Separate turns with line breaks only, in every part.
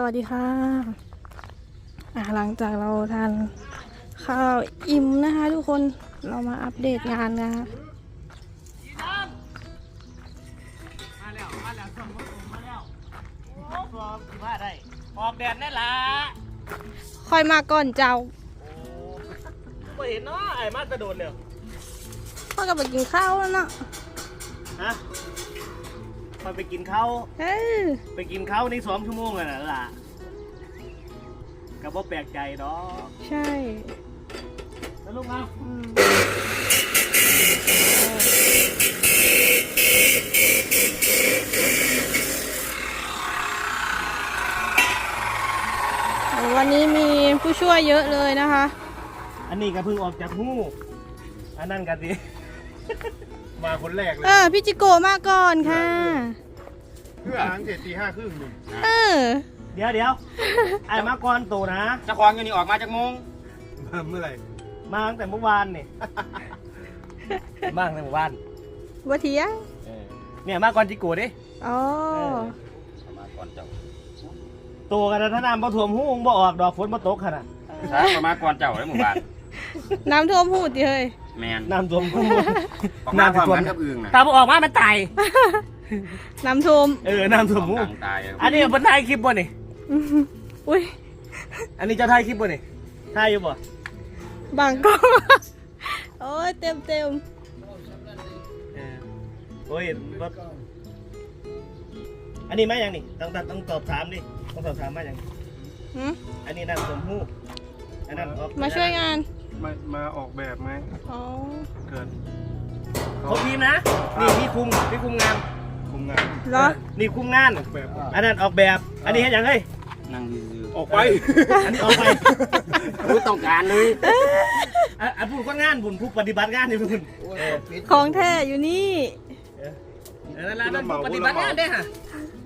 วัสดีค่ะหลังจากเราทานข้าวอิ่มนะคะทุกคนเรามาอัปเดตงานนะคะ
มาแล้วส่งมาแล้วโอ้พร้อมสิว่าได้ออกแดดแน่ละ
ค่อยมาก่อนเจ้า
โอ้ไม่เห็นเนาะไอ้มาจะโดนเนี่ย
พ่อก็ไปกินข้าวแล้วเนาะ
ฮะพอไปกินข้าวไปกินข้าวนี่2 ชั่วโมงอะนะล่ะก็บ่แปลกใจดอก
ใช่
แล้วลูกเอา
วันนี้มีผู้ช่วยเยอะเลยนะคะ
อันนี้ก็เพิ่งออกจากหูอันนั้นกันดิมาคนแรกเลย
พี่จิโกมาก่อนค่ะ
เพื่อหางเสร็จตี 5 ครึ่งนึง
เดี๋ยวไอ้มาก่อนโตนะ
เจ้าของอยู่นี่ออกมาจากโมง
มาเมื่อไหร่
มาตั้งแต่เมื่อวานนี่มาตั้งแต่เมื่อวาน
วัเทีย
เนี่ยมาก่อนจิโกดิ
อ๋อ
มาก่อนเจ้า
โตกันถ้าน้ำบ่ท่วมหูบ่ออกดอกฝนบ่ตกขนาด
มาก่อนเจ้าได้หมู่บ้าน
น้ำท่วมหูดิเฮ้ย
แมน
น้ำท่วมหู
น้ำท่วมกับอึ่งนะ
ตาบ่ออกมามันตาย
น้ำท่วม
น้ำท่วมหูอันนี้เป็นถ่ายคลิปบ่นี่
อุ้ย
อันนี้จะถ่ายคลิปบ่นี่ถ่ายอยู่บ่
บางกล้องโอ้ยเต็ม
โอ้ยอันนี้มาอย่างนี่ต้องตอบถามดิต้องตอบถามมาอย่างอันนี้น้ำท่วมหูอันนั้น
มาช่วยงาน
มาออกแบบไหม
อ๋อ
เกิน
เขาทีมนะนี่พี่คุมงาน
เหรอ
นี่คุมงานอันนั้นออกแบบอันนี้เห็นอย่างไร
นั่ง
ออกไป
อันนี้ออกไป
ผู้ต้องการเลย
ผู้ก็งานบุญผู้ปฏิบัติงานนี่บุญ
ของแท้อยู่นี่
นั่นผู้ปฏิบัติงานได้ฮะ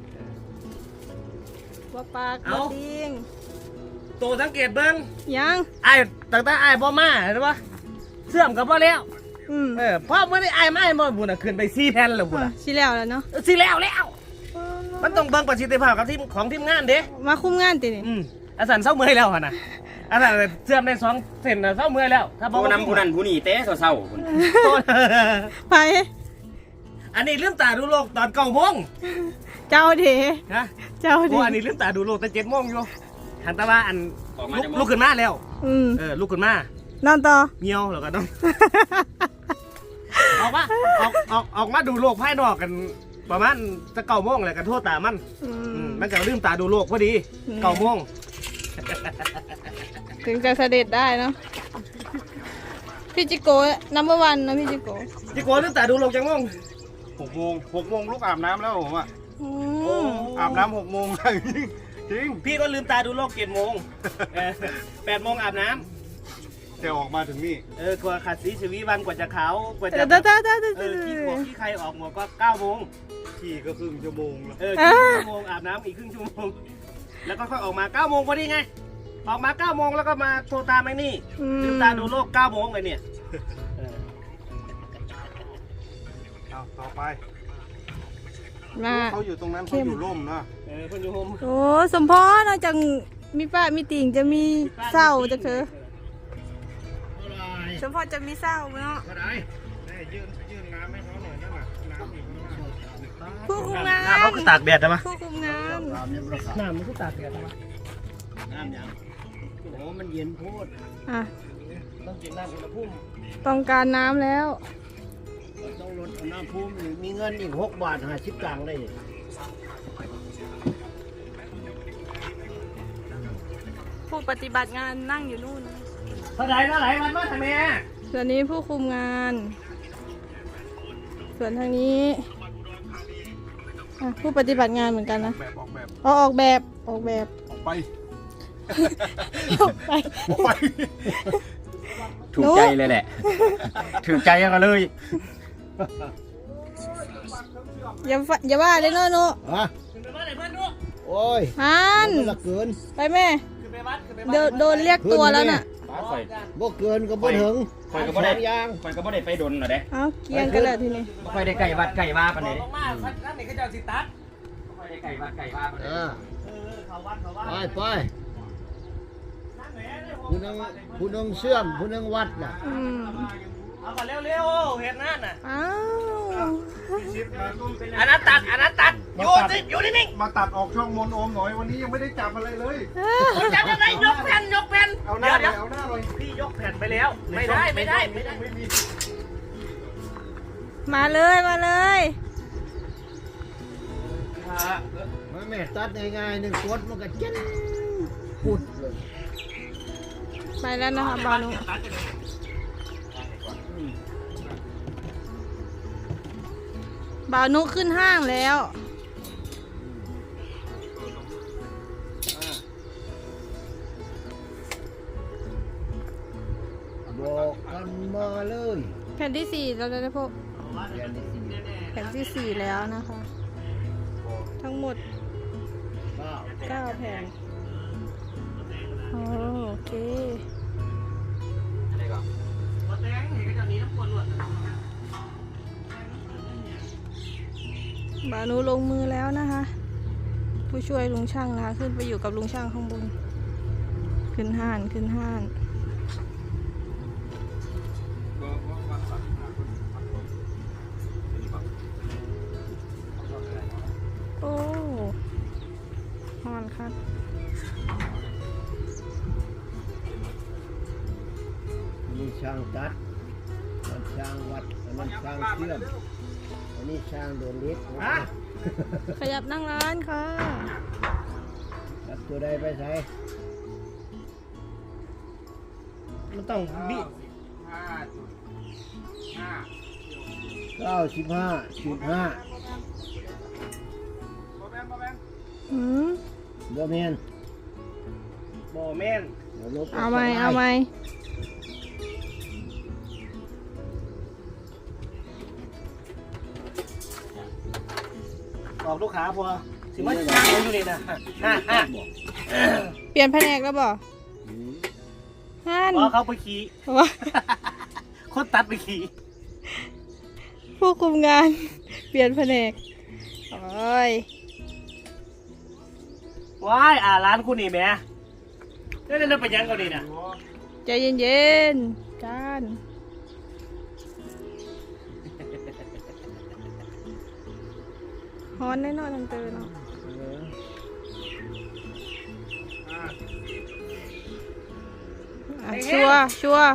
ว่าปากว่าติง
โตสังเกตเบิ้ง
ยัง
ไอ้ตั้งแต่ไอ้บ่มาเห็นปะเสื่อมกับบ่แล้วพ่อเมื่อได้ไอ้ไม่บ่บุญขึ้นไป4 แผ่นแล้วบุญ
สิแล้วเนาะ
สิแล้วมันต้องเบิ่งประสิทธิภาพกับของทีมงานเด้
มาคุมงานตินี่
อาสันเศร้าเมื่อยแล้วนะอาสันเสื่อมได้2 เซนเศร้าเมื่อยแล้วถ้า
ผู้นำผู้นั้นผู้นี้เต้เศร้าคุณ
ไป
อันนี้ลืมตาดูโลกตอน9 โมง
เจ้าเถ
นะเจ้าเถอันนี้ลืมตาดูโลกตอน7 โมงอยู่หันตาว่าอันลุกขึ้นมาแล้วลุกขึ้นมาน
อนต่อ
เงียวแล้วก็ต้องออกมาดูโลกภายนอกกันประมาณจะ9 โมงเลยกันโทษตามันจะลืมตาดูโลกพอดี9 โมง
ถึงจะเสด็จได้เนาะพี่จิโก้นัมเบอร์วันนะพี่จิโก้
ลืมตาดูโลกจังโมง
6 โมงลูกอาบน้ำแล้วผมอ่ะอาบน้ำ6 โมงจริง
พี่ก็ลืมตาดูโลก7 โมง8 โมงอาบน้ำ
แต่ออกมาถึงนี่
กว่าขัดสีชวีวันกว่าจะขาวกว่าจะขี้ใครออกหมดก็9 โมง
ขี่ก็ครึ่งชั่วโมง
ครึ่งชั่วโมงอาบน้ำอีกครึ่งชั่วโมงแล้วก็ค่อยออกมา9 โมงพอดีไงออกมา9 โมงแล้วก็มาโทรตามไอ้นี่ลืมตาดูโลก9 โมงไงเนี่ย
ต่อไป
มา
เขาอยู่ตรงนั้นเขาอยู่ร่มนะ
เขาอยู่ร่ม
โอ้สมพรนอกจากมีป้ามีติ่งจะมีเศร้าจะเถอะสมพรจะมีเศร้าเนาะ
ยื่นน้ำให้เขาหน่อยนั่นน่ะน้ำอยู่ข้างหน้า
ผู้คุมงาน
น้ำเขาก็ตากแดดใช่ไหม
ผู้คุมงาน
น้ำมันก็ตากแดดใช่ไหม
น้ำยังโอ้มันเย็นโพด
ต้องกินน้ำอุณหภูมิ
ต้องการน้ำแล้ว
ต้องลดอุณหภูมิมีเงินอีก6 บาท50 ตังค์ได้
ผู้ปฏิบัติงานนั่งอยู่นู่น
เท่าไหร่มันมาทำไม
ส่วนนี้ผู้คุมงานส่วนทางนี้ผู้ปฏิบัติงานเหมือนกันนะออกแบบ
ออกไป
ถูกใจเลยแหละถูกใจกันเลย
อย่าว่าเลยเนาะ
โอ้ย
ละเกินไปแม่โดนเรียกตัวแล้วน่ะ
บ่เกินก็บ่ถึง
คอยก็บ่ได้ไปดนหรอเด้
เกียงกันเลยทีนี้
บ่ค่อยได้ไก่วัดไก่ว่าปานใด
มากๆนั่นนี่ก็จะสิตัด
ค่อยได้ไก่วัดไก่ว่าปานใด
เขาวัดเขาวัด
ไปผู้นึงเชื่อมผู้นึงวัดน่ะ
เอาก่อนเร็วๆเห็นนั่นน่ะ
อ้าว
อันนั้นตัดอยู่นิ่ง
มาตัดออกช่องมนโอมหน่อยวันนี้ยังไม่ได้จับอะไรเลย
ๆจับยังไงยกแผ่น
เอาหน้าเล
เดี๋
ย
ยว
เอาหน้าเลย
พี่ยกแผ่นไปแล้วไม่ได้
ไม่มี
มาเลยมาเลย
มันไม่ตัดง่ายๆหนึ่งกดมันก็เจ๊นปุดเลย
ไปแล้วนะคะบานุบานุขึ้นห้างแล้ว
บอกกันมาเลย
แผ่นที่ 4เราจะได้พบ
เดือนนี้สิ
แผ่นที่ 4แล้วนะคะ ทั้งหมด 9 แผ่นโอเคบานุลงมือแล้วนะคะ ผู้ช่วยลุงช่างนะคะขึ้นไปอยู่กับลุงช่างข้างบน ขึ้นห้านโอ้ฮอนครับ
อันนี้ช่างตัดมันช่างวัดอันนั้นช่างเชื่อมอันนี้ช่างโดนลิฟต์
ขยับนั่งร้านค่ะ
ตัดตัวใดไปใส่
มันต้องบิ
95.5
อืม
บ่แม่น
บ่แม่น
ดี๋ยวลบ
เอาไหม
ออกลูกค้าพอสิมาจ้างเราอยู่นี่นะ
เปลี่ยนแผนกแล้วบ่
อืม
ฮัน
พอเขาไปขี่
ว่า
คนตัดไปขี่
ผู้คุมงาน เปลี่ยนแผนกโอ้ย
ว้ายร้านคุณนี่แม่เล่นไปยังเขาดีน่ะ
ใจเย็นๆจานฮอนแน่นอนทันเตอเนาะอ่ะชัวร์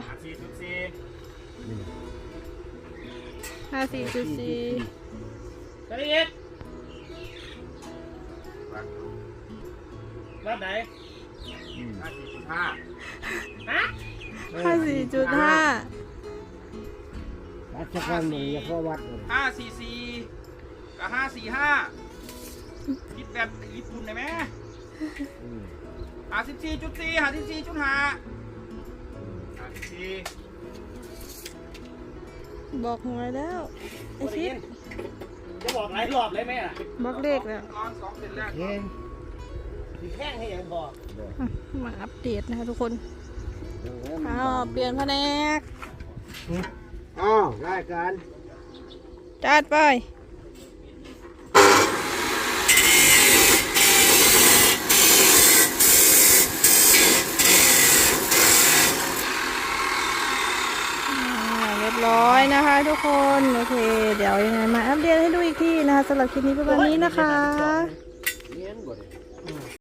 54.4
ก็ได้เอ็ดรับไหน ฮะ
54.5
วัดสักวันหนึ่งอย่าเข้าวัดเลย
544กับ545คิดแบบญี่ปุ่นได้ไหม
อืม
54.4
บอกหวยแล้วไอชิด
จะบอกหลายรอบเลยไหมล่ะ
บอกเลขแล้ว
เห็น
มีแข้งให้ยังบอก
อ่ะมาอัปเดตนะคะทุกคนอ้าวเปลี่ยนแผนก
อ้าวรายการ
จัดไปเรียบร้อยนะคะทุกคน โอเค เดี๋ยวยังไงมาอัปเดตให้ดูอีกทีนะคะสำหรับคลิปนี้ประมาณนี้นะคะ